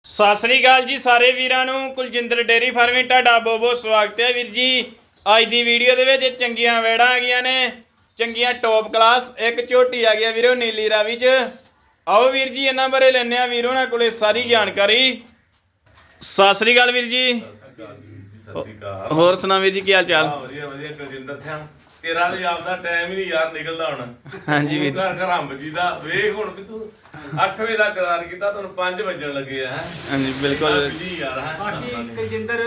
ਸਤਿ ਸ੍ਰੀ ਅਕਾਲ ਜੀ ਸਾਰੇ ਵੀਰਾਂ ਨੂੰ। ਕੁਲਜਿੰਦਰ ਡੇਰੀ ਫਾਰਮਿੰਗ ਤੁਹਾਡਾ ਬਹੁਤ ਬਹੁਤ ਸਵਾਗਤ ਹੈ ਵੀਰ ਜੀ। ਅੱਜ ਦੀ ਵੀਡੀਓ ਦੇ ਵਿੱਚ ਚੰਗੀਆਂ ਵੈੜਾਂ ਆ ਗਈਆਂ ਨੇ, ਚੰਗੀਆਂ ਟੌਪ ਕਲਾਸ। ਇੱਕ ਝੋਟੀ ਆ ਗਿਆ ਵੀਰੋ ਨੀਲੀ ਰਾਵੀ ਚ। ਆਓ ਵੀਰ ਜੀ ਇਹਨਾਂ ਬਾਰੇ ਲੈਣੇ ਆ ਵੀਰੋ ਨਾਲ ਕੋਲੇ ਸਾਰੀ ਜਾਣਕਾਰੀ। ਸਤਿ ਸ੍ਰੀ ਅਕਾਲ ਵੀਰ ਜੀ। ਹੋਰ ਸੁਣਾ ਵੀਰ ਜੀ, ਕੀ ਹਾਲ ਚਾਲ? ਵਧੀਆ ਵਧੀਆ ਕੁਲਜਿੰਦਰ ਸਿੰਘ, ਤੇਰਾ ਤੇ ਆਪਦਾ ਟਾਈਮ ਹੀ ਨਹੀਂ ਯਾਰ ਨਿਕਲਦਾ ਹੁਣ। ਹਾਂਜੀ ਵੀਰ ਘਰ ਹੰਬ ਜੀ ਦਾ ਵੇਖ ਹੁਣ ਵੀ ਤੂੰ 8 ਵਜੇ ਦਾ ਕਰਾਰ ਕੀਤਾ, ਤੁਹਾਨੂੰ 5 ਵੱਜਣ ਲੱਗੇ ਆ। ਹਾਂਜੀ ਬਿਲਕੁਲ ਜੀ ਯਾਰ ਬਾਕੀ ਕੁਲਜਿੰਦਰ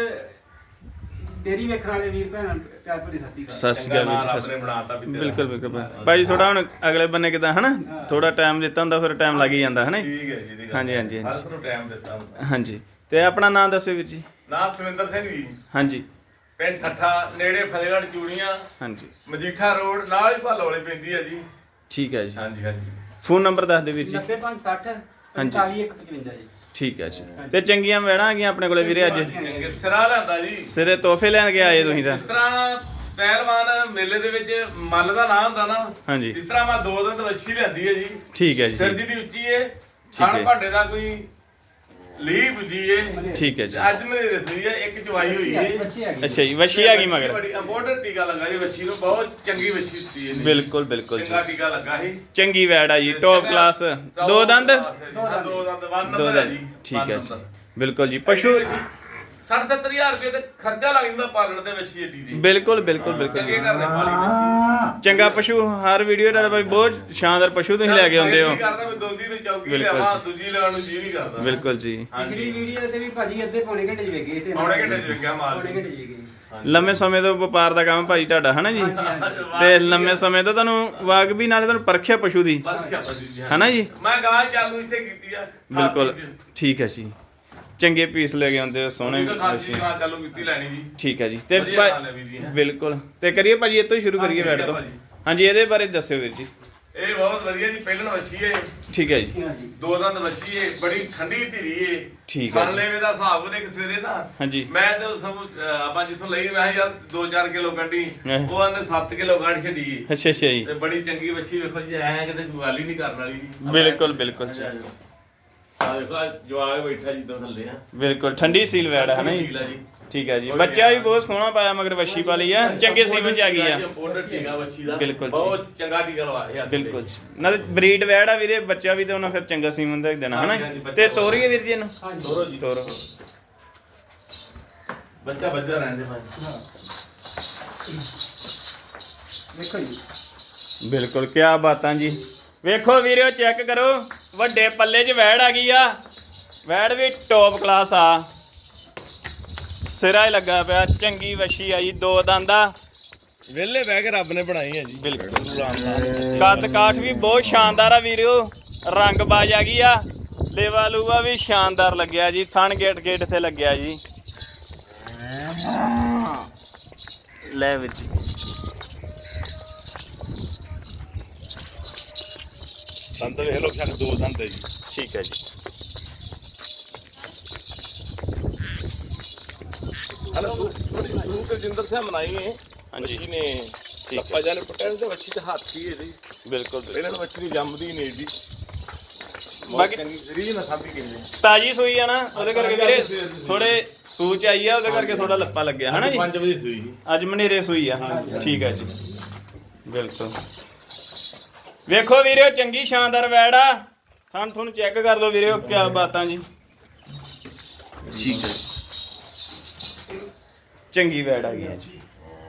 ਡੇਰੀ ਵੇਖਣ ਵਾਲੇ ਵੀਰ ਭੈਣਾਂ ਪਿਆਰ ਭਰੀ ਸਤਿ ਸ਼੍ਰੀ ਅਕਾਲ। ਸਤਿ ਸ੍ਰੀ ਅਕਾਲ ਵੀਰ ਜੀ। ਆਪਣੇ ਬਣਾਤਾ ਵੀ ਬਿਲਕੁਲ ਬਿਲਕੁਲ ਭਾਈ, ਥੋੜਾ ਹੁਣ ਅਗਲੇ ਬੰਨੇ ਕਿਦਾਂ ਹਨਾ, ਥੋੜਾ ਟਾਈਮ ਦਿੱਤਾ ਹੁੰਦਾ ਫਿਰ ਟਾਈਮ ਲੱਗ ਹੀ ਜਾਂਦਾ ਹਨਾ। ਠੀਕ ਹੈ ਜੀ। ਹਾਂਜੀ ਹਾਂਜੀ ਹਰ ਨੂੰ ਟਾਈਮ ਦਿੱਤਾ ਹੁੰਦਾ। ਹਾਂਜੀ, ਤੇ ਆਪਣਾ ਨਾਮ ਦੱਸਿਓ ਵੀਰ ਜੀ। ਨਾਮ ਸੁਰਿੰਦਰ ਸਿੰਘ ਜੀ, ਹਾਂਜੀ ਪਿੰਡ ਠੱਠਾ, ਨੇੜੇ ਫਤਿਹਗੜ੍ਹ ਚੂੜੀਆਂ, ਹਾਂਜੀ ਮਜੀਠਾ ਰੋਡ, ਨਾਲ ਹੀ ਭਾਲੋ ਵਾਲੀ ਪੈਂਦੀ ਹੈ ਜੀ। ਠੀਕ ਹੈ ਜੀ। ਹਾਂਜੀ ਹਾਂਜੀ। ਫੋਨ ਨੰਬਰ ਦੱਸ ਦਿਓ ਵੀਰ ਜੀ। 9560 45155 ਜੀ। ਠੀਕ ਹੈ ਜੀ। ਤੇ ਚੰਗੀਆਂ ਵੈੜਾਂ ਆ ਗਈਆਂ ਆਪਣੇ ਕੋਲੇ ਵੀਰੇ ਅੱਜ। ਚੰਗੇ ਸਿਰਾ ਲੈਂਦਾ ਜੀ। ਸਿਰੇ ਤੋਹਫੇ ਲੈਣ ਕੇ ਆਏ ਤੁਸੀਂ ਤਾਂ। ਜਿਸ ਤਰ੍ਹਾਂ ਪਹਿਲਵਾਨ ਮੇਲੇ ਦੇ ਵਿੱਚ ਮੱਲ ਦਾ ਨਾਂ ਹੁੰਦਾ ਨਾ, ਹਾਂਜੀ ਇਸ ਤਰ੍ਹਾਂ ਮੈਂ 2 ਦਿਨ ਵੱਛੀ ਲੈਂਦੀ ਹੈ ਜੀ। ਠੀਕ ਹੈ ਸਿਰ ਜੀ। ਦੀ ਉੱਚੀ ਏ, ਹੈ। ਛਣ ਭਾਂਡੇ ਦਾ ਕੋਈ ਲੀਪ ਜੀ ਏ। ਠੀਕ ਹੈ ਜੀ। ਅੱਜ ਮੇਰੇ ਰਸੋਈ ਹੈ, ਇੱਕ ਚਵਾਈ ਹੋਈ ਏ। ਬੱਚੀ ਆ ਗਈ। ਅੱਛਾ ਜੀ, ਵਸ਼ੀ ਆ ਗਈ ਮਗਰ। ਬੜੀ ਇੰਪੋਰਟੈਂਟ ਟੀਕਾ ਲੱਗਾ ਜੀ ਵੱਛੀ ਨੂੰ, ਬਹੁਤ ਚੰਗੀ ਵੱਛੀ ਦਿੱਤੀ ਇਹਨੇ। ਬਿਲਕੁਲ ਬਿਲਕੁਲ ਜੀ। ਚੰਗਾ ਟੀਕਾ ਲੱਗਾ ਸੀ। ਚੰਗੀ ਵੈੜ ਆ ਜੀ, ਟੌਪ ਕਲਾਸ। ਦੋ ਦੰਦ। ਦੋ ਦੰਦ, ਵਨ ਦੋ ਨੰਬਰ ਹੈ ਦੰਦ। ਜੀ। ਠੀਕ ਹੈ ਜੀ। ਬਿਲਕੁਲ ਜੀ। ਪਸ਼ੂ 60-70 ਰੁਪਏ ਤੇ ਖਰਚਾ ਲੱਗ ਜਾਂਦਾ ਪਾਲਣ ਦੇ ਵੱਛੀ ਏਡੀ ਦੀ। ਬਿਲਕੁਲ ਬਿਲਕੁਲ ਬਿਲਕੁਲ ਚੰਗੇ ਘਰ ਨੇ ਪਾਲੀ ਵੱਛੀ। ਚੰਗਾ ਪਸ਼ੂ। ਹਰ ਵੀਡੀਓ ਦਾ ਬਾਈ ਬਹੁਤ ਸ਼ਾਨਦਾਰ ਪਸ਼ੂ ਤੁਸੀਂ ਲੈ ਕੇ ਆਉਂਦੇ ਹੋ। ਨਹੀਂ ਕਰਦਾ ਮੈਂ ਦੋਂਦੀ ਤੇ ਚੌਕੀ ਬਿਲਕੁਲ ਲਿਆਵਾਂ, ਜੀ। ਦੂਜੀ ਲੈਣ ਨੂੰ ਜੀ ਨਹੀਂ ਕਰਦਾ। ਬਿਲਕੁਲ ਜੀ। ਪਿਛਲੀ ਵੀਡੀਓ ਤੇ ਵੀ ਭਾਜੀ ਅੱਧੇ ਪੌਣੇ ਘੰਟੇ ਚ ਵੇਖ ਗਏ ਤੇ ਪੌਣੇ ਘੰਟੇ ਚ ਵੇਖਿਆ ਮਾਲ। ਪੌਣੇ ਘੰਟੇ ਚ ਵੇਖ ਗਏ। ਲੰਮੇ ਸਮੇਂ ਤੋਂ ਵਪਾਰ ਦਾ ਕੰਮ ਭਾਜੀ ਤੁਹਾਡਾ ਹਨਾ ਜੀ। ਤੇ ਲੰਮੇ ਸਮੇਂ ਤੋਂ ਤੁਹਾਨੂੰ ਵਾਕ ਵੀ ਨਾਲੇ ਤੁਹਾਨੂੰ ਪਰਖਿਆ ਪਸ਼ੂ ਦੀ ਹਨਾ ਜੀ। ਮੈਂ ਗਾਂ ਚਾਲੂ ਇੱਥੇ ਕੀਤੀ ਆ। ਬਿਲਕੁਲ ਠੀਕ ਹੈ ਜੀ। ਚੰਗੇ ਪੀਸ ਲੈ ਕੇ ਆਉਂਦੇ ਹੋ, ਸੋਹਣੇ। ਖਾਸੀ ਗਾਂ ਚਾਲੂ ਕੀਤੀ ਲੈਣੀ ਜੀ। ਠੀਕ ਹੈ ਜੀ। ਤੇ ਵਧੀਆ ਨਾਲ ਹੈ ਵੀਰ ਜੀ। ਬਿਲਕੁਲ। ਤੇ ਕਰੀਏ ਭਾਜੀ ਇਹ ਤੋਂ ਹੀ ਸ਼ੁਰੂ ਕਰੀਏ ਬੈਠ ਤੋਂ। ਹਾਂਜੀ, ਇਹਦੇ ਬਾਰੇ ਦੱਸਿਓ ਵੀਰ ਜੀ। ਇਹ ਬਹੁਤ ਵਧੀਆ ਜੀ, ਪਹਿਲਣ ਵੱਛੀ ਏ। ਠੀਕ ਹੈ ਜੀ। ਹਾਂਜੀ। 2 ਦੰਦ ਵੱਛੀ ਏ, ਬੜੀ ਠੰਡੀ ਧੀਰੀ ਏ। ਠੀਕ ਹੈ ਜੀ। ਲੈਵੇ ਦਾ ਹਿਸਾਬ ਉਹਨੇ ਸਵੇਰੇ ਨਾ, ਹਾਂਜੀ ਮੈਂ ਤੇ ਸਭ ਆਪਾਂ ਜਿੱਥੋਂ ਲਈ ਮੈਂ ਕਿਹਾ ਯਾਰ 2-4 ਕਿਲੋ ਕੱਢੀ, ਉਹ ਆਂਦੇ 7 ਕਿਲੋ ਕੱਢ ਛੱਡੀ ਏ। ਅੱਛਾ ਅੱਛਾ ਜੀ। ਤੇ ਬੜੀ ਚੰਗੀ ਵੱਛੀ, ਵੇਖੋ ਜੀ ਐ ਕਿਤੇ ਗੱਲ ਹੀ ਨਹੀਂ ਕਰਨ ਵਾਲੀ ਜੀ। ਬਿਲਕੁਲ ਬਿਲਕੁਲ ਜੀ। ਆ ਦੇਖੋ ਜਵਾਗ ਬੈਠਾ ਜਿੱਦਾਂ ਥੱਲੇ ਆ। ਬਿਲਕੁਲ ਠੰਡੀ ਸੀਲ ਵੈੜ ਹੈ ਨਾ ਜੀ। ਠੀਕ ਆ ਜੀ। ਠੀਕ ਹੈ ਜੀ। ਬੱਚਾ ਵੀ ਬਹੁਤ ਸੋਹਣਾ ਪਾਇਆ, ਮਗਰ ਵੱਛੀ ਪਾਲੀ ਆ, ਚੰਗੇ ਸੀਮਨ ਚ ਆ ਗਈ ਆ। ਇੰਪੋਰਟਡ ਟੀਕਾ ਵੱਛੀ ਦਾ। ਬਿਲਕੁਲ ਜੀ। ਬਹੁਤ ਚੰਗਾ ਟੀਕਾ ਲਵਾਇਆ। ਬਿਲਕੁਲ ਜੀ। ਨਾਲੇ ਬਰੀਡ ਵੈੜ ਆ ਵੀਰੇ, ਬੱਚਾ ਵੀ ਤੇ ਉਹਨਾਂ ਫਿਰ ਚੰਗਾ ਸੀਮਨ ਦਾ ਹੀ ਦੇਣਾ ਹਨਾ। ਤੇ ਤੋਰੀਏ ਵੀਰ ਜੀ ਇਹਨੂੰ। ਤੋਰੋ ਜੀ। ਤੋਰੋ। ਬੱਚਾ ਬੱਚਾ ਰਹਿੰਦੇ ਭਾਈ। ਵੇਖੋ ਜੀ। ਬਿਲਕੁਲ, ਕਿਆ ਬਾਤਾਂ ਜੀ। ਵੇਖੋ ਵੀਰਿਓ, ਚੈੱਕ ਕਰੋ, ਵੱਡੇ ਪੱਲੇ 'ਚ ਵੈੜ ਆ ਗਈ ਆ। ਵੈੜ ਵੀ ਟੌਪ ਕਲਾਸ ਆ, ਸਿਰਾ ਹੀ ਲੱਗਾ ਪਿਆ, ਚੰਗੀ ਵੱਛੀ ਆ ਜੀ। 2 ਦੰਦਾ ਵਿਹਲੇ ਬਹਿ ਕੇ ਰੱਬ ਨੇ ਬਣਾਈ ਹੈ ਜੀ। ਬਿਲਕੁਲ। ਕੱਦ ਕਾਠ ਵੀ ਬਹੁਤ ਸ਼ਾਨਦਾਰ ਆ ਵੀਰਿਓ, ਰੰਗ ਬਾਜ ਆ ਗਈ ਆ। ਲੇਵਾ ਲੂਵਾ ਵੀ ਸ਼ਾਨਦਾਰ ਲੱਗਿਆ ਜੀ। ਥਣ ਗੇਟ ਗੇਟ ਇੱਥੇ ਲੱਗਿਆ ਜੀ। ਲੈ ਵੀਰ ਜੀ। ਸੰਤ ਵੇਖ ਲੋ, ਛੱਡ 2 ਸੰਤ ਹੈ ਜੀ। ਠੀਕ ਹੈ ਜੀ। ਹਲੋ ਤੂੰ ਕੁਲਜਿੰਦਰ ਸਿੰਘ ਮਨਾਈ ਹੈ। ਹਾਂਜੀ। ਵੱਛੀ ਨੇ ਠੀਕ ਲੱਪਾ ਜਾਨੇ ਪਟਿਆਲੇ ਤੇ ਵੱਛੀ ਤੇ ਹੱਥ ਹੀ ਹੈ ਜੀ। ਬਿਲਕੁਲ ਇਹਨਾਂ ਨੂੰ ਵੱਛੀ ਦੀ ਜੰਮਦੀ ਨਹੀਂ ਜੀ। ਬਾਕੀ ਰੀਜ ਨਾ ਸਾਂਭੀ ਕਿੰਨੇ ਤਾਜੀ ਸੂਈ ਆ ਨਾ, ਉਹਦੇ ਕਰਕੇ ਵੀਰੇ ਥੋੜੇ ਸੂਚ ਆਈ ਆ, ਉਹਦੇ ਕਰਕੇ ਥੋੜਾ ਲੱਪਾ ਲੱਗਿਆ ਹਨਾ ਜੀ। 5 ਵਜੇ ਸੂਈ ਜੀ। ਅੱਜ ਮਨੇਰੇ ਸੂਈ ਆ। ਠੀਕ ਹੈ ਜੀ। ਬਿਲਕੁਲ। ਵੇਖੋ ਵੀਰਿਓ, ਚੰਗੀ ਸ਼ਾਨਦਾਰ ਵੈੜ ਆ। ਤੁਹਾਨੂੰ ਚੈੱਕ ਕਰ ਲਓ ਵੀਰਿਓ, ਕਿਆ ਬਾਤਾਂ ਜੀ। ਠੀਕ ਹੈ। ਚੰਗੀ ਵੈੜ ਆ ਗਈ ਹੈ ਜੀ।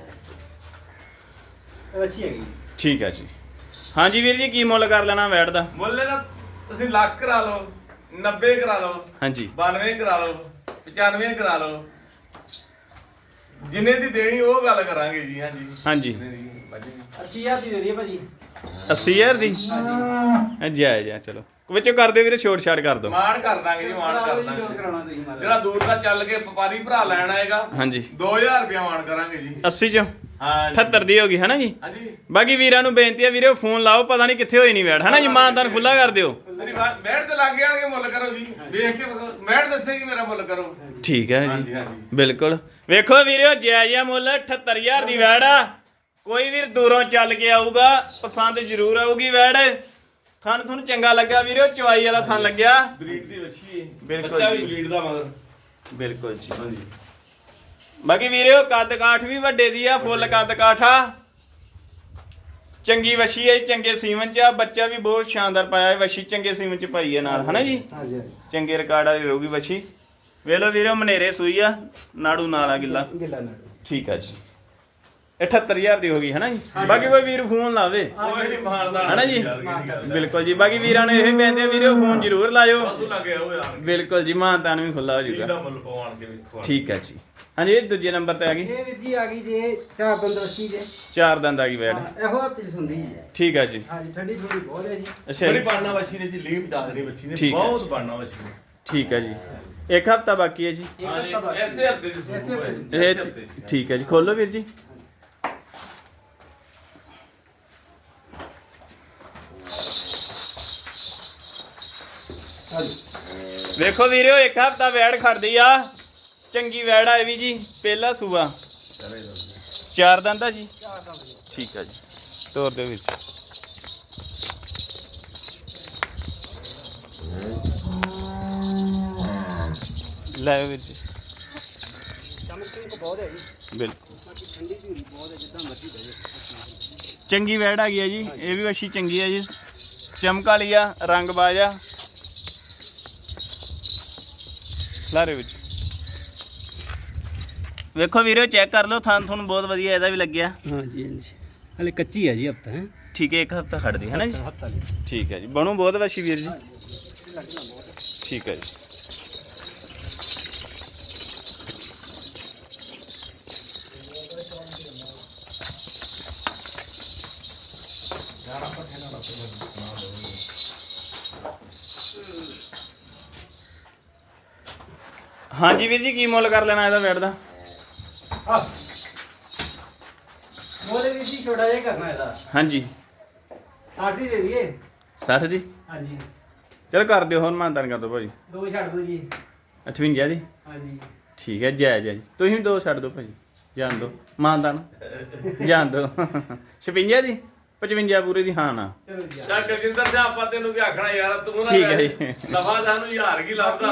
ਬੱਚੀ ਆ ਗਈ। ਠੀਕ ਹੈ ਜੀ। ਹਾਂਜੀ ਵੀਰ ਜੀ, ਕੀ ਮੁੱਲ ਕਰ ਲੈਣਾ ਵੈੜ ਦਾ? ਮੁੱਲੇ ਦਾ ਤੁਸੀਂ ਲੱਖ ਕਰਾ ਲਓ, 90 ਕਰਾ ਲਓ, ਹਾਂਜੀ 92 ਕਰਾ ਲਓ, 95 ਕਰਾ ਲਓ, ਜਿੰਨੇ ਦੀ ਦੇਣੀ ਉਹ ਗੱਲ ਕਰਾਂਗੇ ਜੀ। ਹਾਂਜੀ ਹਾਂਜੀ। 80000 ਦੀ ਦੇ ਦਈਏ ਭਾਜੀ। 80000 ਦੀ ਜਾਇਜ਼ ਆ। ਚਲੋ ਵਿੱਚੋਂ ਕਰ ਦਿਓ ਵੀਰੇ, ਛੋਟ ਛਾੜ ਕਰ ਦਿਓ। ਮਾਣ ਕਰ ਦਾਂਗੇ ਜੀ, ਮਾਣ ਕਰ ਜੋ ਦਾਂਗੇ। ਕਰਾਉਣਾ ਤੁਸੀਂ ਮਾਰਾ। ਜਿਹੜਾ ਦੂਰ ਦਾ ਚੱਲ ਕੇ ਵਪਾਰੀ ਭਰਾ ਲੈਣ ਆਏਗਾ, ਹਾਂਜੀ 2000 ਰੁਪਇਆ ਮਾਣ ਕਰਾਂਗੇ ਜੀ। 80 ਚੋਂ ਹਾਂ 78 ਦੀ ਹੋ ਗਈ ਹਨਾ ਜੀ। ਹਾਂਜੀ। ਬਾਕੀ ਵੀਰਾਂ ਨੂੰ ਬੇਨਤੀ ਆ ਵੀਰੇ, ਫੋਨ ਲਾਓ, ਪਤਾ ਨਹੀਂ ਕਿੱਥੇ ਹੋਈ ਨਹੀਂ ਵੈੜ ਹਨਾ ਜੀ। ਮਾਨਦਾਨ ਖੁੱਲਾ ਕਰ ਦਿਓ। ਮੇਰੀ ਮੈਟ ਤੇ ਲੱਗ ਜਾਣਗੇ, ਮੁੱਲ ਕਰੋ ਜੀ। ਵੇਖ ਕੇ ਮੈਟ ਦੱਸੇਗੀ ਮੇਰਾ ਮੁੱਲ ਕਰੋ। ਠੀਕ ਹੈ ਹਾਂਜੀ ਜੀ। ਹਾਂਜੀ। ਬਿਲਕੁਲ। ਵੇਖੋ ਵੀਰਿਓ, ਜਾਇਜ਼ ਮੁੱਲ 78000 ਦੀ ਵੈੜ ਆ। ਕੋਈ ਵੀਰ ਦੂਰੋਂ ਚੱਲ ਕੇ ਆਊਗਾ, ਪਸੰਦ ਜ਼ਰੂਰ ਆਊਗੀ ਵੈੜ। ਥਣ ਤੁਹਾਨੂੰ ਚੰਗਾ ਲੱਗਾ ਵੀਰੋ, ਚਵਾਈ ਵਾਲਾ ਥਣ ਲੱਗਿਆ। ਬਰੀਡ ਦੀ ਵੱਛੀ ਹੈ, ਬਿਲਕੁਲ ਬੱਚਾ ਵੀ ਜੀ। ਬਰੀਡ ਦਾ ਮਗਰ। ਬਿਲਕੁਲ ਜੀ। ਹਾਂਜੀ ਬਾਕੀ ਵੀਰੋ ਕੱਦ ਕਾਠ ਵੀ ਵੱਡੇ ਦੀ ਆ, ਫੁੱਲ ਕੱਦ ਕਾਠ ਆ। ਚੰਗੀ ਵਸ਼ੀ ਹੈ, ਚੰਗੇ ਸੀਮਨ ਚ ਆ। ਬੱਚਾ ਵੀ ਬਹੁਤ ਸ਼ਾਨਦਾਰ ਪਾਇਆ ਹੈ, ਵਸ਼ੀ ਚੰਗੇ ਸੀਮਨ ਚ ਪਾਈ ਹੈ ਨਾਲ, ਹਨਾ ਜੀ। ਹਾਂਜੀ ਚੰਗੇ ਰਿਕਾਰਡ ਵਾਲੀ ਰਹੂਗੀ ਵਸ਼ੀ। ਵੇਖ ਲਓ ਵੀਰੋ ਮਨੇਰੇ ਸੂਈ ਆ, ਨਾੜੂ ਨਾਲ ਆ ਗਿੱਲਾ। ਗਿੱਲਾ ਨਾੜੂ। ਠੀਕ ਆ ਜੀ। 78000 ਦੀ ਹੋ ਗਈ ਹਨਾ ਜੀ। ਬਾਕੀ ਕੋਈ ਵੀਰ ਫੋਨ ਲਾਵੇ ਕੋਈ ਨਹੀਂ ਮਾਰਦਾ ਹਨਾ ਜੀ। ਯਾਰ, ਕਿਹੜੀ ਗੱਲ ਹੈ। ਬਿਲਕੁਲ ਜੀ। ਬਾਕੀ ਵੀਰਾਂ ਨੂੰ ਇਹ ਕਹਿੰਦੇ ਆ ਵੀਰੋ ਫੋਨ ਜ਼ਰੂਰ ਲਾਇਓ। ਵਾਧੂ ਲੱਗੇ ਉਹ ਯਾਰ, ਬਿਲਕੁਲ ਜੀ, ਮਾਨਤਾਨ ਵੀ ਖੁੱਲਾ ਹੋ ਕੀ ਜਾਊਗਾ। ਦਾ ਮੁੱਲ ਪਵਾਉਣ ਕੇ ਵੀ ਖਵਾ। ਠੀਕ ਹੈ ਜੀ। ਹਾਂਜੀ ਇਹ ਦੂਜੇ ਨੰਬਰ ਤੇ ਆ ਗਈ, ਇਹ ਵੀਰ ਜੀ ਆ ਗਈ ਜੇ 4 ਦੰਦ ਵੱਛੀ ਜੇ। 4 ਦੰਦ ਆ ਗਈ ਬੈਡ। ਇਹੋ ਹੱਥ ਚ ਹੁੰਦੀ ਹੈ। ਠੀਕ ਹੈ ਜੀ। ਹਾਂਜੀ ਠੰਡੀ ਠੰਡੀ ਬਹੁਤ ਹੈ ਜੀ। ਅੱਛਾ ਬੜੀ ਜੀ। ਬਾਣਾ ਵੱਛੀ ਨੇ ਜੀ, ਲੀਪ ਜ਼ਿਆਦਾ ਨਹੀਂ ਵੱਛੀ ਨੇ, ਠੀਕ ਹੈ। ਬਹੁਤ ਬਾਣਾ ਵੱਛੀ ਨੇ। ਠੀਕ ਹੈ ਜੀ। ਇੱਕ ਹਫਤਾ ਬਾਕੀ ਹੈ ਜੀ। ਇੱਕ ਹਾਂਜੀ ਹਫ਼ਤਾ ਬਾਅਦ। ਐਸੇ ਹਫਤੇ ਦੀ ਐਸੇ ਹਫ਼ਤੇ ਦੀ। ਇਹ ਐਸੇ ਹਫ਼ਤੇ ਦੀ। ਠੀਕ ਹੈ ਜੀ। ਖੋਲੋ ਵੀਰ ਜੀ। ਹਾਂਜੀ ਵੇਖੋ ਵੀਰੋ ਇੱਕ ਹਫਤਾ ਵੈੜ ਖੜਦੀ ਆ। ਚੰਗੀ ਵੈੜ ਆ ਇਹ ਵੀ ਜੀ, ਪਹਿਲਾ ਸੂਆ। 4 ਦੰਦ ਆ ਜੀ। 4 ਦੰਦ ਜੀ। ਠੀਕ ਹੈ ਜੀ। ਤੋਰ ਦਿਓ ਵੀਰ ਜੀ। ਲੈ ਵੀਰ ਜੀ। ਚਮਕਣੀ ਕੋ ਬਹੁਤ ਹੈ ਜੀ। ਬਿਲਕੁਲ ਬਾਕੀ ਠੰਡੀ ਝੂਰੀ ਬਹੁਤ ਹੈ, ਜਿੱਦਾਂ ਮਰਜ਼ੀ ਬਹਿ ਚੰਗੀ ਵੈੜ ਆ ਗਈ ਹੈ ਜੀ। ਇਹ ਵੀ ਵੱਛੀ ਚੰਗੀ ਹੈ ਜੀ, ਚਮਕ ਵਾਲੀ ਆ, ਰੰਗ ਬਾਜ ਆ। ਲਾਰੇ ਵਿੱਚ ਵੇਖੋ ਵੀਰੋ, ਚੈੱਕ ਕਰ ਲਓ ਥਣ ਤੁਹਾਨੂੰ ਬਹੁਤ ਵਧੀਆ ਇਹਦਾ ਵੀ ਲੱਗਿਆ। ਹਾਂਜੀ ਹਾਂਜੀ ਹਲੇ ਕੱਚੀ ਹੈ ਜੀ ਹਫਤਾ ਹੈ। ਠੀਕ ਹੈ, ਇੱਕ ਹਫਤਾ ਖੜਦੀ ਹੈ ਨਾ ਜੀ। ਹਫਤਾ ਲਈ ਠੀਕ ਹੈ ਜੀ। ਬਣੂ ਬਹੁਤ ਵੱਛੀ ਵੀਰ ਜੀ। ਠੀਕ ਹੈ ਜੀ। ਹਾਂਜੀ ਵੀਰ ਜੀ, ਕੀ ਮੁੱਲ ਕਰ ਲੈਣਾ ਇਹਦਾ ਬੈਡ ਦਾ? ਮੋਲੇ ਵੀ ਜੀ ਛੋਟਾ ਜਿਹਾ ਕਰਨਾ ਇਹਦਾ। ਹਾਂਜੀ 60 ਦੀ ਦੇ ਦਈਏ। 60 ਦੀ। ਹਾਂਜੀ ਚਲੋ ਕਰ ਦਿਓ, ਹੁਣ ਮਾਨਤਾਨ ਕਰ ਦਿਓ ਭਾਜੀ। 2 ਛੱਡ ਦਿਓ ਜੀ। 58 ਦੀ। ਹਾਂਜੀ ਠੀਕ ਹੈ, ਜਾਇਜ਼ ਹੈ ਜੀ। ਤੁਸੀਂ 2 ਛੱਡ ਦਿਓ ਭਾਜੀ, ਜਾਣ ਦਿਓ ਮਾਨਤਾਨ, ਜਾਣ ਦਿਓ। 56 ਦੀ। 55 ਪੂਰੇ ਦੀ। ਹਾਂ ਨਾ ਚਲੋ ਜੀ ਚੱਲ ਕਲਜਿੰਦਰ ਜੀ, ਆਪਾਂ ਤੈਨੂੰ ਕੀ ਆਖਣਾ ਯਾਰ, ਤੂੰ ਨਾ ਠੀਕ ਹੈ ਜੀ। ਨਫਾ ਸਾਨੂੰ ਹਜ਼ਾਰ ਕੀ ਲੱਭਦਾ,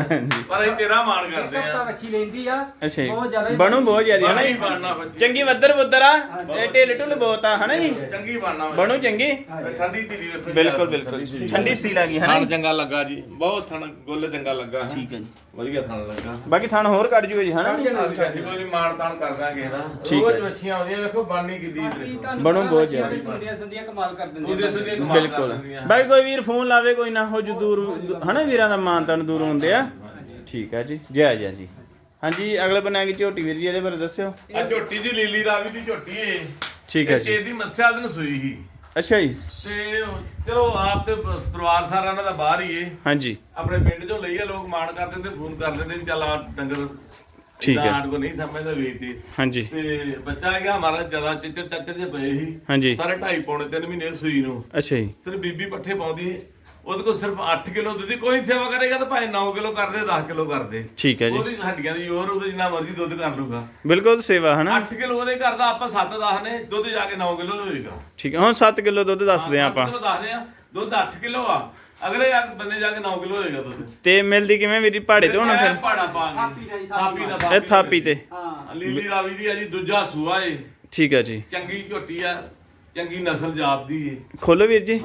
ਪਰ ਅਸੀਂ ਤੇਰਾ ਮਾਣ ਕਰਦੇ ਹਫਤਾ ਆ। ਵੱਛੀ ਲੈਂਦੀ ਆ। ਅੱਛਾ ਬਹੁਤ ਜੀ। ਜ਼ਿਆਦਾ ਹੀ ਬਣੂ ਬਹੁਤ ਜ਼ਿਆਦਾ ਹੈ ਨਾ ਜੀ। ਬਣਨਾ ਬੱਚੀ ਚੰਗੀ ਵੱਦਰ ਬੁੱਦਰ ਆ। ਇਹ ਢਿੱਲ ਢੁੱਲ ਬਹੁਤ ਆ ਹਨਾ ਜੀ। ਚੰਗੀ ਬਣਨਾ ਬਣੂ ਚੰਗੀ। ਠੰਡੀ ਧੀਰੀ ਵੇਖੋ। ਬਿਲਕੁਲ ਬਿਲਕੁਲ। ਠੰਡੀ ਸੀ ਲੱਗੀ ਹਨਾ ਥਣ ਜੀ। ਚੰਗਾ ਲੱਗਾ ਜੀ, ਬਹੁਤ ਥਣ ਗੁੱਲ ਚੰਗਾ ਲੱਗਾ। ਠੀਕ ਹੈ ਜੀ। ਵਧੀਆ ਥਣ ਲੱਗਾ। ਬਾਕੀ ਥਣ ਹੋਰ ਕੱਢ ਜੂਏ ਜੀ ਹਨਾ ਜੀ। ਹਾਂਜੀ ਕੋਈ ਮਾਣ ਤਾਣ ਕਰਦਾ ਕਿਸੇ ਦਾ। ਠੀਕ ਹੈ। ਰੋਜ਼ ਮੱਛੀਆਂ ਆਉਂਦੀਆਂ, ਵੇਖੋ ਬਾਣੀ ਕਿੱਦੀ ਬਣੂ ਬਹੁਤ ਜ਼ਿਆਦਾ। ਸੁੰਦੀਆਂ ਸੁੰਦੀਆਂ ਕਮਾਲ ਕਰ ਦਿੰਦੀਆਂ। ਉਹਦੇ ਸੁਦੇ ਕਮਾਲ ਕਰ ਬਿਲਕੁਲ। ਦਿੰਦੀਆਂ। ਬਾਕੀ ਕੋਈ ਵੀਰ ਫੋਨ ਲਾਵੇ ਕੋਈ ਨਾ ਹੋ ਜੂ ਦੂਰ ਹਨਾ, ਵੀਰਾਂ ਦਾ ਮਾਨਤਾਨ ਦੂਰ ਹੁੰਦੇ ਆ। ਠੀਕ ਹੈ ਜੀ, ਜਾਇਜ਼ ਹੈ ਜੀ। ਹਾਂਜੀ ਅਗਲੇ ਬਣਾ ਕੇ ਝੋਟੀ ਵੀਰ ਜੀ, ਇਹਦੇ ਬਾਰੇ ਦੱਸਿਓ। ਆ ਝੋਟੀ ਜੀ ਲੀਲੀ ਰਾਵੀ ਦੀ ਝੋਟੀ ਏ। ਠੀਕ ਹੈ ਜੀ। ਇਹਦੀ ਮੱਸਿਆ ਦਿਨ ਸੂਈ ਸੀ ਅੱਛਾ ਜੀ। ਤੇ ਚਲੋ ਆਪ ਤੇ ਪਰਿਵਾਰ ਸਾਰਾ ਇਹਨਾਂ ਦਾ ਬਾਹਰ ਹੀ ਏ। ਹਾਂਜੀ ਆਪਣੇ ਪਿੰਡ ਚੋਂ ਲਈ ਆ, ਲੋਕ ਮਾਣ ਕਰ ਦਿੰਦੇ, ਫੋਨ ਕਰ ਦਿੰਦੇ ਵੀ ਚੱਲ ਆ ਡੰਗਰ ਠੀਕ ਹੈ। ਆਟ ਕੋ ਨਹੀਂ ਸਮਝਦਾ ਵੇਚਦੇ। ਹਾਂਜੀ ਤੇ ਬੱਚਾ ਗਿਆ ਹਮਾਰਾ ਜਿਆਦਾ ਚਿੱਚਰ ਚੱਚਰ ਜੇ ਪਏ ਸੀ ਹਾਂਜੀ। ਸਾਰੇ 2.5 ਪੌਣੇ 3 ਮਹੀਨੇ ਸੂਈ ਨੂੰ। ਅੱਛਾ ਜੀ। ਸਿਰਫ ਬੀਬੀ ਪੱਠੇ ਪਾਉਂਦੀ, ਉਹਦੇ ਕੋਲ ਸਿਰਫ 8 ਕਿਲੋ ਦੁੱਧ। ਕੋਈ ਸੇਵਾ ਕਰੇਗਾ ਤਾਂ ਭਾਵੇਂ 9 ਕਿਲੋ ਕਰਦੇ, 10 ਕਿਲੋ ਕਰਦੇ। ਠੀਕ ਹੈ ਜੀ। ਉਹਦੀ ਹੱਡੀਆਂ ਦੀ ਜ਼ੋਰ, ਉਹਦੇ ਜਿੰਨਾ ਮਰਜ਼ੀ ਦੁੱਧ ਕਰ ਲੂਗਾ। ਬਿਲਕੁਲ ਸੇਵਾ ਹਨਾ। 8 ਕਿਲੋ ਉਹਦੇ ਘਰ ਦਾ, ਆਪਾਂ 7-10 ਨੇ, ਦੁੱਧ ਜਾ ਕੇ 9 ਕਿਲੋ ਹੋਏਗਾ। ਠੀਕ ਹੈ। ਹੁਣ 7 ਕਿਲੋ ਦੁੱਧ ਦੱਸਦੇ ਆ ਆਪਾਂ। 7 ਕਿਲੋ ਦੱਸਦੇ ਆ, ਦੁੱਧ 8 ਕਿਲੋ ਆ, ਅਗਲੇ ਬੰਦੇ ਜਾ ਕੇ 9 ਕਿਲੋ ਹੋਏਗਾ ਦੁੱਧ। ਤੇ ਮਿਲਦੀ ਕਿਵੇਂ ਵੀਰ ਜੀ? ਪਹਾੜੇ ਤੇ ਹੋਣਾ ਫਿਰ? ਪਾੜਾ ਪਾ ਕੇ ਥਾਪੀ ਦਾ ਜੀ, ਥਾਪੀ ਦਾ ਇਹ ਥਾਪੀ ਤੇ। ਹਾਂ ਲੀਲੀ ਰਾਵੀ ਦੀ ਆ ਜੀ, ਦੂਜਾ ਸੂਆ ਏ। ਠੀਕ ਹੈ ਜੀ। ਚੰਗੀ ਝੋਟੀ ਆ, ਚੰਗੀ ਨਸਲ ਜਾਤ ਦੀ ਏ। ਖੋਲੋ ਵੀਰ ਜੀ।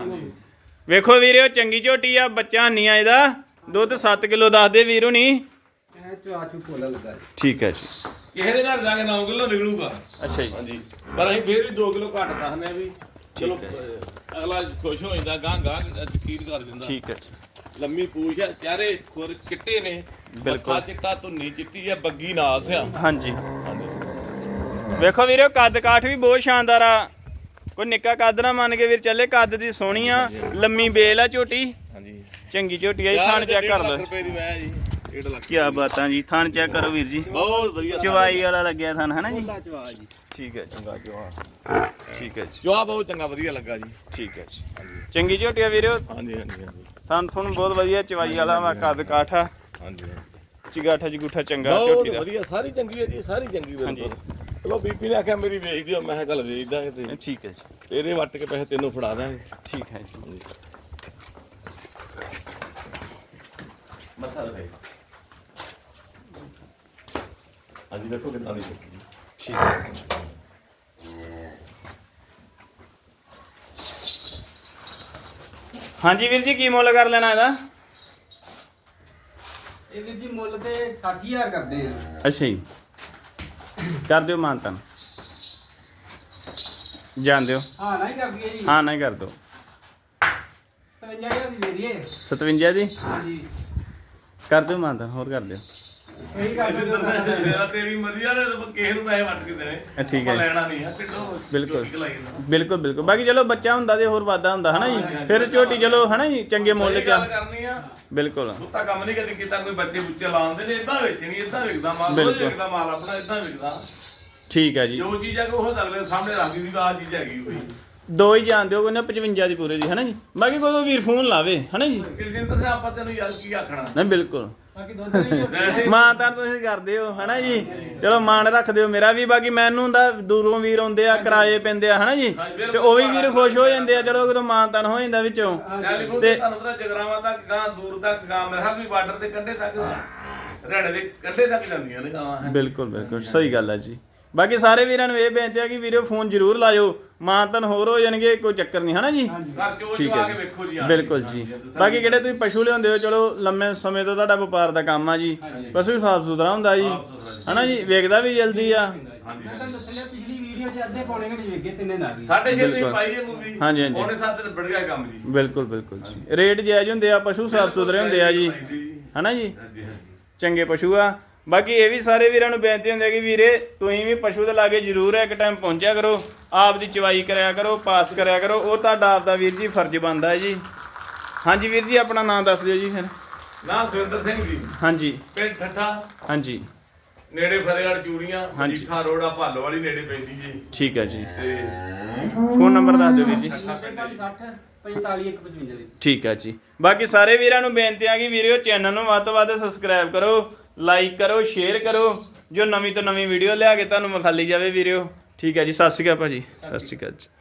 ਵੇਖੋ ਵੀਰਿਓ, ਚੰਗੀ ਝੋਟੀ ਆ, ਬੱਚਾ ਨਹੀਂ ਆ ਇਹਦਾ। ਦੁੱਧ 7 ਕਿਲੋ ਦੱਸਦੇ ਵੀਰੋ ਨਹੀਂ। ਇਹ ਚਾਚੂ ਕੋਲਾ ਲੱਗਾ ਜੀ। ਠੀਕ ਹੈ ਜੀ। ਕਿਸੇ ਦੇ ਘਰ ਜਾ ਕੇ 9 ਕਿਲੋ ਨਿਕਲੂਗਾ। ਅੱਛਾ ਜੀ। ਹਾਂਜੀ, ਪਰ ਅਸੀਂ ਫੇਰ ਵੀ 2 ਕਿਲੋ ਘੱਟ ਦੱਸਨੇ ਆ ਵੀ ਚਲੋ ਅਗਲਾ ਖੁਸ਼ ਹੋ ਜਾਂਦਾ, ਗਾਂ ਯਕੀਨ ਕਰ ਦਿੰਦਾ। ਠੀਕ ਹੈ ਜੀ। ਲੰਮੀ ਪੂਛ ਆ, ਚਿਹਰੇ ਖੁਰ ਚਿੱਟੇ ਨੇ, ਬਿਲਕੁਲ। ਮੱਥਾ ਚਿੱਟਾ, ਧੁੰਨੀ ਚਿੱਟੀ ਆ, ਬੱਗੀ ਨਾਸ ਆ। ਹਾਂਜੀ ਵੇਖੋ ਵੀਰਿਓ, ਕੱਦ ਕਾਠ ਵੀ ਬਹੁਤ ਸ਼ਾਨਦਾਰ ਆ। ਕੋਈ ਨਿੱਕਾ ਕੱਦ ਨਾ ਮੰਨ ਕੇ ਵੀਰ ਚੱਲੇ। ਕੱਦ ਦੀ ਸੋਹਣੀ ਆ, ਲੰਮੀ ਬੇਲ ਆ ਝੋਟੀ। ਹਾਂਜੀ, ਚੰਗੀ ਝੋਟੀ ਆ ਜੀ। ਥਣ ਚੈੱਕ ਕਰ ਲਓ। ਰੁਪਏ ਦੀ ਮੈਂ ਜੀ 1.5 ਲੱਖ। ਕੀ ਬਾਤਾਂ ਜੀ। ਥਣ ਚੈੱਕ ਕਰੋ ਵੀਰ ਜੀ, ਬਹੁਤ ਵਧੀਆ ਚਵਾਈ ਵਾਲਾ ਲੱਗਿਆ ਥਣ ਹਨਾ ਜੀ। ਕੋਲਾ ਚਵਾ ਜੀ। ਠੀਕ ਹੈ ਜੀ। ਚੰਗਾ ਜਵਾ, ਠੀਕ ਹੈ ਜੀ। ਜਵਾ ਬਹੁਤ ਚੰਗਾ ਵਧੀਆ ਲੱਗਾ ਜੀ। ਠੀਕ ਹੈ ਜੀ। ਚੰਗੀ ਝੋਟੀ ਆ ਵੀਰਿਓ। ਹਾਂਜੀ ਹਾਂਜੀ ਹਾਂਜੀ ਥਣ ਤੁਹਾਨੂੰ ਬਹੁਤ ਵਧੀਆ ਚਵਾਈ ਵਾਲਾ ਵਾ, ਕੱਦ ਕਾਠ ਆ, ਹਾਂਜੀ ਚਿਗਾਠਾ ਜਗੂਠਾ ਚੰਗਾ ਬਹੁਤ ਝੋਟੀ ਦਾ। ਵਧੀਆ, ਸਾਰੀ ਚੰਗੀ ਹੈ ਜੀ, ਸਾਰੀ ਚੰਗੀ ਬਿਲਕੁਲ। ਚਲੋ ਬੀਬੀ ਨੇ ਆਖਿਆ ਮੇਰੀ ਵੇਚ ਦਿਓ, ਮੈਂ ਕਿਹਾ ਚੱਲ ਵੇਚ ਦਾਂਗੇ ਤੇ ਠੀਕ ਹੈ ਜੀ। ਤੇਰੇ ਵੱਟ ਕੇ ਪੈਸੇ ਤੈਨੂੰ ਫੜਾ ਦਾਂਗੇ। ਠੀਕ ਹੈ ਜੀ। ਮੱਥਾ ਦਿਖਾਈ ਹਾਂਜੀ ਦੇਖੋ ਕਿੰਨਾ ਦੀ ਚੁੱਕੀ ਠੀਕ ਹੈ ਹਾਂਜੀ ਵੀਰ ਜੀ ਕੀ ਮੁੱਲ ਕਰ ਲੈਣਾ ਇਹਦਾ? ਇਹ ਵੀਰ ਜੀ ਮੁੱਲ ਤੇ 60000 ਕਰਦੇ ਆ। ਅੱਛਾ ਜੀ ਕਰ ਦਿਓ ਮਾਨਤਨ ਜਾਣ ਦਿਓ ਹਾਂ ਨਹੀਂ ਕਰ ਦਈਏ ਜੀ। ਹਾਂ ਨਹੀਂ ਕਰ ਦਿਓ 57000 ਦੀ ਦੇ ਦਈਏ। 57 ਜੀ ਹਾਂਜੀ ਕਰ ਦਿਓ ਮਾਨਤਨ ਹੋਰ ਕਰ ਦਿਓ ਇਹੀ ਕਰ ਦਿਓ। ਮੇਰਾ ਤੇਰੀ ਮਰਜ਼ੀ ਆ ਤੇ ਕਿਸੇ ਨੂੰ ਪੈਸੇ ਵੱਟ ਕੇ ਦੇਣੇ ਠੀਕ ਹੈ। ਆਪਾਂ ਲੈਣਾ ਨਹੀਂ ਆ ਕਿੱਡੋ ਬਿਲਕੁਲ। ਚੁੱਕੀ ਲਾਈ ਜਾਂਦਾ। ਬਿਲਕੁਲ ਬਿਲਕੁਲ ਬਾਕੀ ਚਲੋ ਬੱਚਾ ਹੁੰਦਾ ਤੇ ਹੋਰ ਵਾਧਾ ਹੁੰਦਾ ਹਨਾ ਜੀ ਫਿਰ ਝੋਟੀ ਚਲੋ ਹਨਾ ਜੀ ਚੰਗੇ ਮੁੱਲ ਸਹੀ ਚ ਗੱਲ ਕਰਨੀ ਆ ਬਿਲਕੁਲ ਸੁੱਤਾ ਕੰਮ ਨਹੀਂ ਕਦੀ ਕੀਤਾ ਕੋਈ ਬੱਚੇ ਬੁੱਚੇ ਲਾਉਂਦੇ ਨੇ ਇਦਾਂ ਵੇਚਣੀ ਇਦਾਂ ਵਿਕਦਾ ਮਾਲ ਉਹ ਬਿਲਕੁਲ। ਵਿਕਦਾ ਮਾਲ ਆਪਣਾ ਇਦਾਂ ਵਿਕਦਾ ਠੀਕ ਹੈ ਜੀ ਜੋ ਚੀਜ਼ ਹੈ ਕਿ ਉਹ ਅਗਲੇ ਸਾਹਮਣੇ ਰੱਖਦੀ ਦੀ ਆਹ ਚੀਜ਼ ਹੈਗੀ ਕੋਈ ਦੋ ਹੀ ਜਾਣ ਦਿਓ ਕੋਈ ਨਾ 55 ਦੀ ਪੂਰੇ ਦੀ ਹਨਾ ਜੀ ਬਾਕੀ ਕੋਈ ਵੀਰ ਫੋਨ ਲਾਵੇ ਹਨਾ ਜੀ ਕਿਲਜਿੰਦਰ ਨੇ ਆਪਾਂ ਤੈਨੂੰ ਯਾਰ ਕੀ ਆਖਣਾ ਨਹੀਂ ਬਿਲਕੁਲ ਬਾਕੀ ਦੁੱਧ ਨਹੀਂ ਵੈਸੇ ਮਾਂ ਤਾਂ ਤੁਸੀਂ ਕਰਦੇ ਹੋ ਹਨਾ ਜੀ ਚਲੋ ਮਾਣ ਰੱਖ ਦਿਓ ਮੇਰਾ ਵੀ ਬਾਕੀ ਮੈਨੂੰ ਦਾ ਦੂਰੋਂ ਵੀਰ ਆਉਂਦੇ ਆ ਕਿਰਾਏ ਪੈਂਦੇ ਆ ਹਨਾ ਜੀ ਤੇ ਉਹ ਵੀ ਵੀਰ ਖੁਸ਼ ਹੋ ਜਾਂਦੇ ਆ ਚਲੋ ਜਦੋਂ ਮਾਂ ਤਨ ਹੋ ਜਾਂਦਾ ਵਿੱਚੋਂ ਟੈਲੀਫੋਨ ਤੇ ਤੁਹਾਨੂੰ ਪਤਾ ਜਗਰਾਵਾਂ ਤੱਕ ਗਾਂ ਦੂਰ ਤੱਕ ਗਾਂ ਮੇਰਾ ਵੀ ਬਾਰਡਰ ਦੇ ਕੰਢੇ ਤੱਕ ਹਰਿਆਣੇ ਦੇ ਕੰਢੇ ਤੱਕ ਜਾਂਦੀਆਂ ਨੇ ਗਾਵਾਂ ਬਿਲਕੁਲ ਬਿਲਕੁਲ ਸਹੀ ਗੱਲ ਹੈ ਜੀ ਬਾਕੀ ਸਾਰੇ ਵੀਰਾਂ ਨੂੰ ਇਹ ਬੇਨਤੀ ਆ ਕਿ ਵੀਰੋ ਫੋਨ ਜ਼ਰੂਰ ਲਾਇਓ ਮਾਂ ਤਨ ਹੋਰ ਹੋ ਜਾਣਗੇ ਕੋਈ ਚੱਕਰ ਨਹੀਂ ਹਨਾ ਜੀ ਘਰ ਚੋਂ ਠੀਕ ਚਵਾ ਹੈ ਕੇ ਵੇਖੋ ਜੀ ਬਿਲਕੁਲ ਜੀ ਬਾਕੀ ਕਿਹੜੇ ਤੁਸੀਂ ਪਸ਼ੂ ਲਿਆਉਂਦੇ ਹੋ ਚਲੋ ਲੰਮੇ ਸਮੇਂ ਤੋਂ ਤੁਹਾਡਾ ਵਪਾਰ ਦਾ ਕੰਮ ਆ ਜੀ ਪਸ਼ੂ ਸਾਫ ਸੁਥਰਾ ਹੁੰਦਾ ਜੀ ਹਨਾ ਜੀ ਵੇਖਦਾ ਵੀ ਜਲਦੀ ਆ ਮੈਂ ਤੁਹਾਨੂੰ ਦੱਸਿਆ ਪਿਛਲੀ ਵੀਡੀਓ 'ਚ ਅੱਧੇ ਪੌਣੇ ਘੰਟੇ ਵੇਖੇ ਤਿੰਨੇ ਨਾਲ ਹੀ। ਸਾਡੇ ਛੇ ਤੁਸੀਂ ਬਿਲਕੁਲ। ਪਾਈ ਇਹ ਮੂਵੀ ਹਾਂਜੀ, ਹਾਂਜੀ। ਉਹਨੇ ਸਾਥ ਤੇ ਬੜ ਗਿਆ ਕੰਮ ਜੀ ਬਿਲਕੁਲ ਬਿਲਕੁਲ ਜੀ ਰੇਟ ਜਾਇਜ਼ ਹੁੰਦੇ ਆ ਪਸ਼ੂ ਸਾਫ ਸੁਥਰੇ ਹੁੰਦੇ ਆ ਜੀ ਹਨਾ ਜੀ ਹਾਂਜੀ ਹਾਂਜੀ ਚੰਗੇ ਪਸ਼ੂ ਆ ਬਾਕੀ ਇਹ ਵੀ ਸਾਰੇ ਵੀਰਾਂ ਨੂੰ ਬੇਨਤੀ ਹੁੰਦੀ ਹੈ ਕਿ ਵੀਰੇ ਤੁਸੀਂ ਵੀ ਪਸ਼ੂ ਦੇ ਲਾਗੇ ਜ਼ਰੂਰ ਇੱਕ ਟਾਈਮ ਪਹੁੰਚਿਆ ਕਰੋ ਆਪ ਦੀ ਚਵਾਈ ਕਰਿਆ ਕਰੋ ਪਾਸ ਕਰਿਆ ਕਰੋ ਉਹ ਤੁਹਾਡਾ ਆਪ ਦਾ ਵੀਰ ਜੀ ਫਰਜ਼ ਬਣਦਾ ਹੈ ਜੀ ਹਾਂਜੀ ਵੀਰ ਜੀ ਆਪਣਾ ਨਾਮ ਦੱਸ ਦਿਓ ਜੀ ਫਿਰ ਨਾਮ ਸੁਰਿੰਦਰ ਸਿੰਘ ਜੀ ਹਾਂਜੀ ਪਿੰਡ ਠੱਠਾ ਹਾਂਜੀ ਨੇੜੇ ਫਤਿਹਗੜ੍ਹ ਚੂੜੀਆਂ ਹਾਂਜੀ। ਮਜੀਠਾ ਰੋਡ ਆ ਭਾਲੋ ਵਾਲੀ ਨੇੜੇ ਪੈਂਦੀ ਜੀ ਠੀਕ ਹੈ ਜੀ ਤੇ ਫੋਨ ਨੰਬਰ ਦੱਸ ਦਿਓ ਵੀਰ ਜੀ 60 45 155 ਦੀ। ਠੀਕ ਹੈ ਜੀ ਬਾਕੀ ਸਾਰੇ ਵੀਰਾਂ ਨੂੰ ਬੇਨਤੀ ਆ ਕਿ ਵੀਡੀਓ ਚੈਨਲ ਨੂੰ ਵੱਧ ਤੋਂ ਵੱਧ ਸਬਸਕ੍ਰਾਈਬ ਕਰੋ ਲਾਈਕ ਕਰੋ ਸ਼ੇਅਰ ਕਰੋ ਜੋ ਨਵੀਂ ਤੋਂ ਨਵੀਂ ਵੀਡੀਓ ਲਿਆ ਕੇ ਤੁਹਾਨੂੰ ਵਿਖਾਲੀ ਜਾਵੇ ਵੀਡੀਓ ਠੀਕ ਹੈ ਜੀ ਸਤਿ ਸ਼੍ਰੀ ਅਕਾਲ ਭਾਜੀ ਸਤਿ ਸ਼੍ਰੀ ਅਕਾਲ ਜੀ